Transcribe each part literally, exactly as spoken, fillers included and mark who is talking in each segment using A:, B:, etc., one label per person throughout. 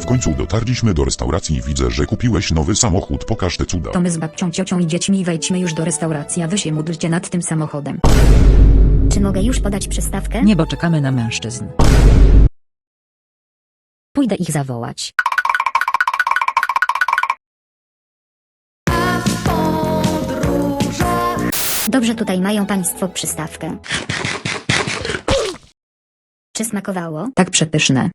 A: W końcu dotarliśmy do restauracji i widzę, że kupiłeś nowy samochód. Pokaż te cuda.
B: To my z babcią, ciocią i dziećmi wejdźmy już do restauracji, a wy się módlcie nad tym samochodem.
C: Czy mogę już podać przystawkę?
B: Nie, bo czekamy na mężczyzn.
C: Pójdę ich zawołać. Dobrze, tutaj mają państwo przystawkę. Czy smakowało?
B: Tak przepyszne.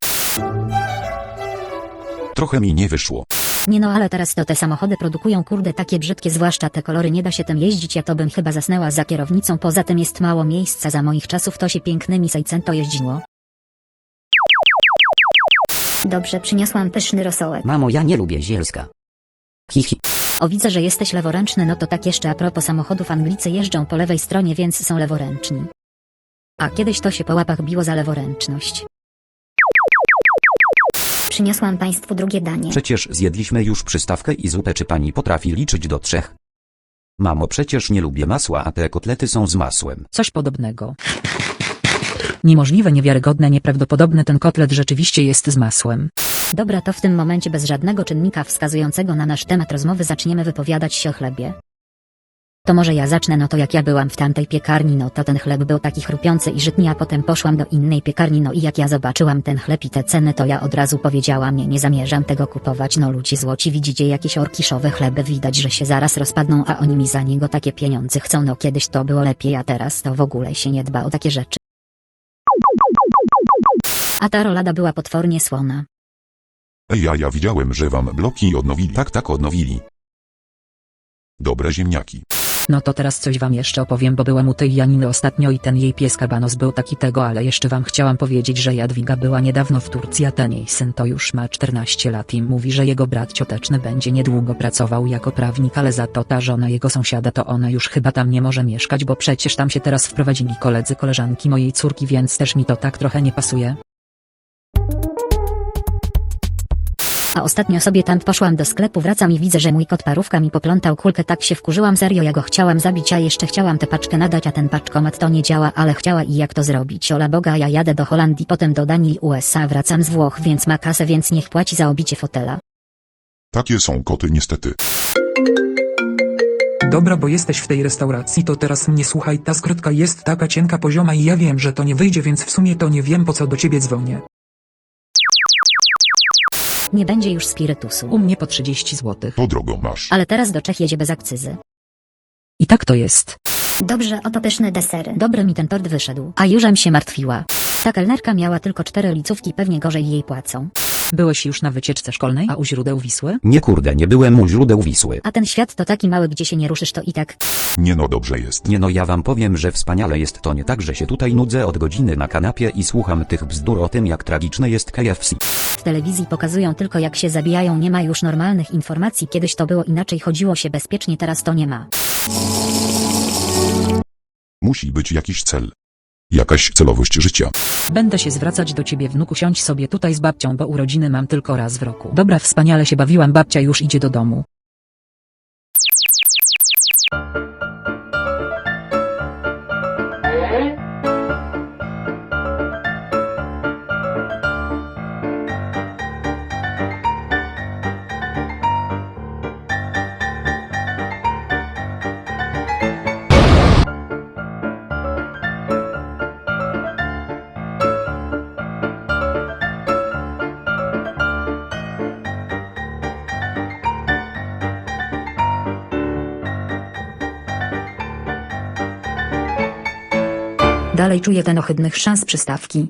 A: Trochę mi nie wyszło.
C: Nie no, ale teraz to te samochody produkują kurde takie brzydkie, zwłaszcza te kolory, nie da się tym jeździć, ja to bym chyba zasnęła za kierownicą, poza tym jest mało miejsca, za moich czasów to się pięknymi Seicento jeździło. Dobrze, przyniosłam pyszny rosołek.
D: Mamo, ja nie lubię zielska. Hihi.
C: O, widzę, że jesteś leworęczny, no to tak jeszcze a propos samochodów, Anglicy jeżdżą po lewej stronie, więc są leworęczni. A kiedyś to się po łapach biło za leworęczność. Przyniosłam państwu drugie danie.
D: Przecież zjedliśmy już przystawkę i zupę, czy pani potrafi liczyć do trzech? Mamo, przecież nie lubię masła, a te kotlety są z masłem.
B: Coś podobnego. Niemożliwe, niewiarygodne, nieprawdopodobne, ten kotlet rzeczywiście jest z masłem.
C: Dobra, to w tym momencie bez żadnego czynnika wskazującego na nasz temat rozmowy zaczniemy wypowiadać się o chlebie. To może ja zacznę, no to jak ja byłam w tamtej piekarni, no to ten chleb był taki chrupiący i żytni, a potem poszłam do innej piekarni, no i jak ja zobaczyłam ten chleb i te ceny, to ja od razu powiedziałam, nie, nie zamierzam tego kupować, no ludzie złoci, widzicie jakieś orkiszowe chleby, widać, że się zaraz rozpadną, a oni mi za niego takie pieniądze chcą, no kiedyś to było lepiej, a teraz to w ogóle się nie dba o takie rzeczy. A ta rolada była potwornie słona.
A: Ej, ja, ja widziałem, że wam bloki odnowili. Tak, tak, odnowili. Dobre ziemniaki.
B: No to teraz coś wam jeszcze opowiem, bo byłam u tej Janiny ostatnio i ten jej pies Kabanos był taki tego, ale jeszcze wam chciałam powiedzieć, że Jadwiga była niedawno w Turcji, a ten jej syn to już ma czternaście lat i mówi, że jego brat cioteczny będzie niedługo pracował jako prawnik, ale za to ta żona jego sąsiada to ona już chyba tam nie może mieszkać, bo przecież tam się teraz wprowadzili koledzy, koleżanki mojej córki, więc też mi to tak trochę nie pasuje.
C: A ostatnio sobie tam poszłam do sklepu, wracam i widzę, że mój kot Parówka mi poplątał kulkę, tak się wkurzyłam, serio, ja go chciałam zabić, a jeszcze chciałam tę paczkę nadać, a ten paczkomat to nie działa, ale chciała i jak to zrobić, ola Boga, ja jadę do Holandii, potem do Danii i U S A, wracam z Włoch, więc ma kasę, więc niech płaci za obicie fotela.
A: Takie są koty niestety.
E: Dobra, bo jesteś w tej restauracji, to teraz mnie słuchaj, ta skrytka jest taka cienka, pozioma i ja wiem, że to nie wyjdzie, więc w sumie to nie wiem, po co do ciebie dzwonię.
C: Nie będzie już spirytusu.
B: U mnie po trzydzieści złotych.
A: To drogo masz.
C: Ale teraz do Czech jedzie bez akcyzy.
B: I tak to jest.
C: Dobrze, oto pyszne desery. Dobry mi ten tort wyszedł, a jużem się martwiła. Ta kelnerka miała tylko cztery licówki, pewnie gorzej jej płacą.
B: Byłeś już na wycieczce szkolnej, a u źródeł Wisły?
D: Nie kurde, nie byłem u źródeł Wisły.
C: A ten świat to taki mały, gdzie się nie ruszysz, to i tak.
A: Nie no, dobrze jest.
D: Nie no, ja wam powiem, że wspaniale jest, to nie tak, że się tutaj nudzę od godziny na kanapie i słucham tych bzdur o tym, jak tragiczne jest K F C.
C: W telewizji pokazują tylko, jak się zabijają, nie ma już normalnych informacji, kiedyś to było inaczej, chodziło się bezpiecznie, teraz to nie ma.
A: Musi być jakiś cel. Jakaś celowość życia.
B: Będę się zwracać do ciebie, wnuku, siądź sobie tutaj z babcią, bo urodziny mam tylko raz w roku. Dobra, wspaniale się bawiłam, babcia już idzie do domu. Dalej czuję ten ohydny chrzan z przystawki.